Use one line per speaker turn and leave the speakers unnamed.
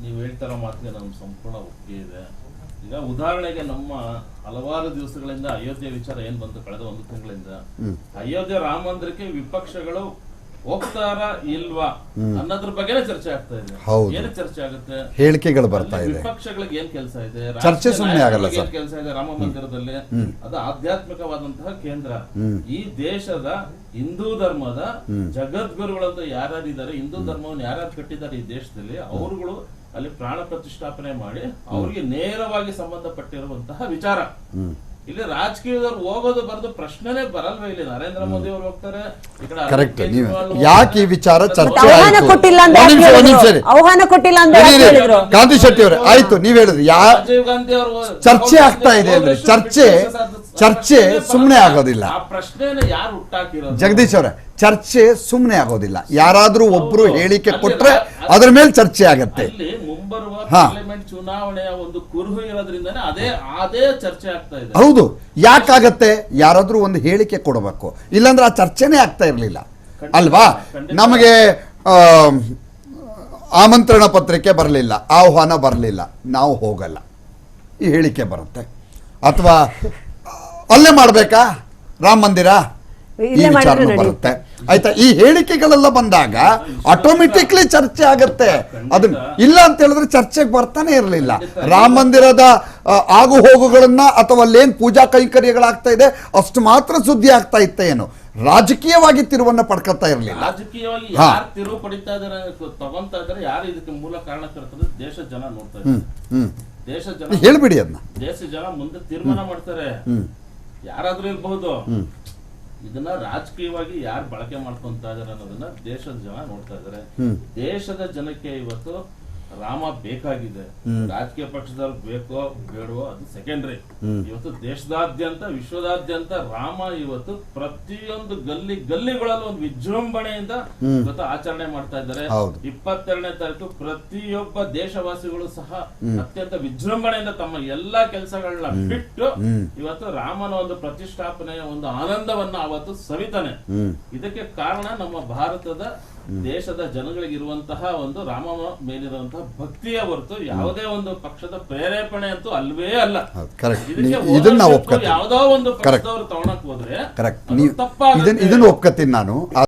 ನೀವು ಹೇಳ್ತಾರೋ ಮಾತಿಗೆ ನಮ್ಗೆ ಸಂಪೂರ್ಣ ಒಪ್ಪಿಗೆ ಇದೆ. ಈಗ ಉದಾಹರಣೆಗೆ ನಮ್ಮ ಹಲವಾರು ದಿವಸಗಳಿಂದ ಅಯೋಧ್ಯೆ ವಿಚಾರ ಏನ್ ಬಂತು ಕಳೆದ 1 ತಿಂಗಳಿಂದ, ಅಯೋಧ್ಯೆ ರಾಮ ಮಂದಿರಕ್ಕೆ ವಿಪಕ್ಷಗಳು ಹೋಗ್ತಾರ ಇಲ್ವಾ ಅನ್ನೋದ್ರ ಬಗ್ಗೆನೇ ಚರ್ಚೆ ಆಗ್ತಾ ಇದೆ. ಏನು ಚರ್ಚೆ ಆಗುತ್ತೆ?
ಹೇಳಿಕೆಗಳು ಬರ್ತಾ ಇದೆ.
ವಿಪಕ್ಷಗಳಿಗೆ ಏನ್ ಕೆಲಸ ಇದೆ?
ಚರ್ಚೆ ಸುಮ್ಮನೆ ಆಗಲ್ಲ ಸರ್.
ಏನ್ ಕೆಲಸ ಇದೆ ರಾಮ ಮಂದಿರದಲ್ಲಿ? ಅದು ಆಧ್ಯಾತ್ಮಿಕವಾದಂತಹ ಕೇಂದ್ರ. ಈ ದೇಶದ ಹಿಂದೂ ಧರ್ಮದ ಜಗದ್ಗುರುಗಳಂತ ಯಾರ್ಯಾರಿದ್ದಾರೆ, ಹಿಂದೂ ಧರ್ಮವನ್ನು ಯಾರ್ಯಾರು ಕಟ್ಟಿದ್ದಾರೆ ಈ ದೇಶದಲ್ಲಿ, ಅವರುಗಳು ಅಲ್ಲಿ ಪ್ರಾಣ ಪ್ರತಿಷ್ಠಾಪನೆ ಮಾಡಿ ಅವ್ರಿಗೆ ನೇರವಾಗಿ ಸಂಬಂಧಪಟ್ಟಿರುವಂತಹ ವಿಚಾರ. ಇಲ್ಲಿ ರಾಜಕೀಯದವ್ರು ಹೋಗೋದು ಬರೋದು ಪ್ರಶ್ನೆನೇ ಬರಲ್ವೇ? ಇಲ್ಲಿ ನರೇಂದ್ರ ಮೋದಿ ಅವರು ಹೋಗ್ತಾರೆ, ಈ ಕಡೆ
ಕರೆಕ್ಟ್. ನೀವು ಯಾಕೆ ಈ ವಿಚಾರ ಚರ್ಚೆ
ಆಹ್ವಾನ ಕೊಟ್ಟಿಲ್ಲ ಅಂತ
ಕಾಂತಿ ಶೆಟ್ಟಿ ಅವರೇ, ಆಯ್ತು ನೀವ್ ಹೇಳಿದ್ರಿ
ರಾಜೀವ್ ಗಾಂಧಿ ಅವರು
ಚರ್ಚೆ ಆಗ್ತಾ ಇದೆ ಅಂದ್ರೆ ಚರ್ಚೆ ಸುಮ್ಮನೆ ಆಗೋದಿಲ್ಲ.
ಆ ಪ್ರಶ್ನೆನ ಯಾರು ಹುಟ್ಟಾಕಿರೋದು?
ಜಗದೀಶ್ ಅವರೇ, ಚರ್ಚೆ ಸುಮ್ಮನೆ ಆಗೋದಿಲ್ಲ. ಯಾರಾದ್ರೂ ಒಬ್ರು ಹೇಳಿಕೆ ಕೊಟ್ರೆ ಅದ್ರ ಮೇಲೆ ಚರ್ಚೆ ಆಗತ್ತೆ.
ಇಲ್ಲಿ ಮುಂಬರುವ ಪಾರ್ಲಿಮೆಂಟ್ ಚುನಾವಣೆಯ ಒಂದು ಕುರುಹು ಇರೋದ್ರಿಂದಾನೆ ಅದೇ ಚರ್ಚೆ ಆಗ್ತಾ ಇದೆ.
ಹೌದು, ಯಾಕಾಗತ್ತೆ? ಯಾರಾದ್ರೂ ಒಂದು ಹೇಳಿಕೆ ಕೊಡಬೇಕು, ಇಲ್ಲಾಂದ್ರೆ ಆ ಚರ್ಚೆನೇ ಆಗ್ತಾ ಇರ್ಲಿಲ್ಲ ಅಲ್ವಾ? ನಮಗೆ ಆಮಂತ್ರಣ ಪತ್ರಿಕೆ ಬರಲಿಲ್ಲ, ಆಹ್ವಾನ ಬರಲಿಲ್ಲ, ನಾವು ಹೋಗಲ್ಲ, ಈ ಹೇಳಿಕೆ ಬರುತ್ತೆ. ಅಥವಾ ಅಲ್ಲೇ ಮಾಡ್ಬೇಕಾ ರಾಮ ಮಂದಿರ, ಈ ವಿಚಾರ ಬರುತ್ತೆ. ಆಯ್ತಾ? ಈ ಹೇಳಿಕೆಗಳೆಲ್ಲ ಬಂದಾಗ ಆಟೋಮೆಟಿಕ್ಲಿ ಚರ್ಚೆ ಆಗತ್ತೆ. ಅದನ್ನ ಇಲ್ಲ ಅಂತ ಹೇಳಿದ್ರೆ ಚರ್ಚೆಗೆ ಬರ್ತಾನೆ ಇರಲಿಲ್ಲ. ರಾಮ ಮಂದಿರದ ಆಗು ಹೋಗುಗಳನ್ನ ಅಥವಾ ಅಲ್ಲೇನ್ ಪೂಜಾ ಕೈಂಕರ್ಯಗಳಾಗ್ತಾ ಇದೆ ಅಷ್ಟು ಮಾತ್ರ ಸುದ್ದಿ ಆಗ್ತಾ ಇತ್ತ, ಏನು ರಾಜಕೀಯವಾಗಿ ತಿರುವನ್ನ ಪಡ್ಕೊತಾ ಇರಲಿಲ್ಲ.
ರಾಜಕೀಯವಾಗಿ ಯಾರು ತಿರುವು ಪಡಿತಾ ಇದಾರೆ, ತಗೊಂತಾ ಇದಾರೆ, ಯಾರು ಇದಕ್ಕೆ ಮೂಲ ಕಾರಣಕರ್ತರು ದೇಶದ ಜನ ನೋಡ್ತಾ ಇದ್ದಾರೆ. ದೇಶದ ಜನ
ಹೇಳ್ಬಿಡಿ ಅದನ್ನ.
ದೇಶದ ಜನ ಮುಂದೆ ತೀರ್ಮಾನ ಮಾಡ್ತಾರೆ. ಯಾರಾದ್ರೂ ಇರಬಹುದು. ಇದನ್ನ ರಾಜಕೀಯವಾಗಿ ಯಾರು ಬಳಕೆ ಮಾಡ್ಕೊಂತ ಇದಾರೆ ಅನ್ನೋದನ್ನ ದೇಶದ ಜನ ನೋಡ್ತಾ ಇದಾರೆ. ದೇಶದ ಜನಕ್ಕೆ ಇವತ್ತು ರಾಮ ಬೇಕಾಗಿದೆ. ರಾಜಕೀಯ ಪಕ್ಷದವ್ರು ಬೇಕೋ ಬೇಡವೋ ಅದು ಸೆಕೆಂಡ್ರಿ. ಇವತ್ತು ದೇಶದಾದ್ಯಂತ ವಿಶ್ವದಾದ್ಯಂತ ರಾಮ ಇವತ್ತು ಪ್ರತಿಯೊಂದು ಗಲ್ಲಿಗಳಲ್ಲೂ ಒಂದು ವಿಜೃಂಭಣೆಯಿಂದ ಇವತ್ತು ಆಚರಣೆ ಮಾಡ್ತಾ ಇದ್ದಾರೆ. 22ನೇ ತಾರೀಕು ಪ್ರತಿಯೊಬ್ಬ ದೇಶವಾಸಿಗಳು ಸಹ ಅತ್ಯಂತ ವಿಜೃಂಭಣೆಯಿಂದ ತಮ್ಮ ಎಲ್ಲಾ ಕೆಲಸಗಳನ್ನ ಬಿಟ್ಟು ಇವತ್ತು ರಾಮನ ಒಂದು ಪ್ರತಿಷ್ಠಾಪನೆಯ ಒಂದು ಆನಂದವನ್ನ ಅವತ್ತು ಸವಿತಾನೆ. ಇದಕ್ಕೆ ಕಾರಣ ನಮ್ಮ ಭಾರತದ ದೇಶದ ಜನಗಳಿಗಿರುವಂತಹ ಒಂದು ರಾಮ ಮೇಲಿರುವಂತಹ ಭಕ್ತಿಯ ಹೊರತು ಯಾವುದೇ ಒಂದು ಪಕ್ಷದ ಪ್ರೇರೇಪಣೆ ಅಂತೂ ಅಲ್ವೇ ಅಲ್ಲ. ಯಾವುದೋ ಒಂದು ಪಕ್ಷದವರು ತಗೊಳಕ್ ಹೋದ್ರೆ
ಇದನ್ನ ಒಪ್ಕೊತೀನಿ ನಾನು.